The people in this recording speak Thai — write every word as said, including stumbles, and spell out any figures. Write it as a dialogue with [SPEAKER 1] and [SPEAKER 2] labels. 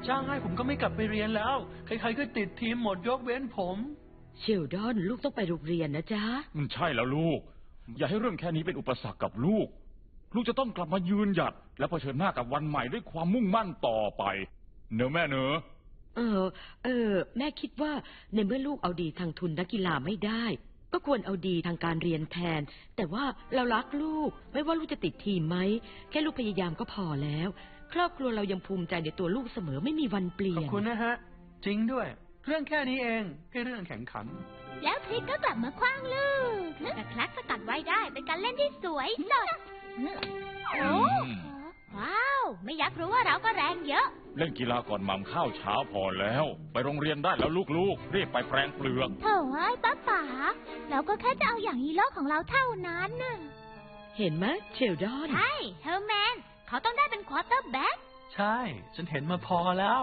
[SPEAKER 1] จ้างให้ผมก็ไม่กลับไปเรียนแล้วใครๆก็ติดทีมหมดยกเว้นผม
[SPEAKER 2] เชลดอนลูกต้องไปโรงเรียนนะจ๊ะ
[SPEAKER 3] มันใช่แล้วลูกอย่าให้เรื่องแค่นี้เป็นอุปสรรคกับลูกลูกจะต้องกลับมายืนหยัดและเผชิญหน้ากับวันใหม่ด้วยความมุ่งมั่นต่อไปเนอะแม่เนอะ
[SPEAKER 2] เออเออแม่คิดว่าในเมื่อลูกเอาดีทางทุนนักกีฬาไม่ได้ก็ควรเอาดีทางการเรียนแทนแต่ว่าเรารักลูกไม่ว่าลูกจะติดทีมไหมแค่ลูกพยายามก็พอแล้วครอบครัวเรายังภูมิใจในตัวลูกเสมอไม่มีวันเปลี่ยน
[SPEAKER 1] ขอบคุณนะฮะจริงด้วยเรื่องแค่นี้เองแค่เรื่องแข่งขัน
[SPEAKER 4] แล้วทริกก็กลับมาคว้างลูกแต่คลักสกัดไว้ได้เป็นการเล่นที่สวยสดโอ้ว้าวไม่อยากรู้ว่าเราก็แรงเยอะ
[SPEAKER 3] เล่นกีฬาก่อนหม่ำข้าวเช้าพอแล้วไปโรงเรียนได้แล้วลูกๆรีบไปแปรงเปลือก
[SPEAKER 4] โถ่ไอ้ป้าป๋าเราก็แค่จะเอาอย่างฮีโร่ของเราเท่านั้นน่ะ
[SPEAKER 2] เห็นไหมเชลดอน
[SPEAKER 4] ใช่เฮอร์แมนเขาต้องได้เป็นควอเตอร์แบ็ค
[SPEAKER 1] ใช่ฉันเห็นมาพอแล้ว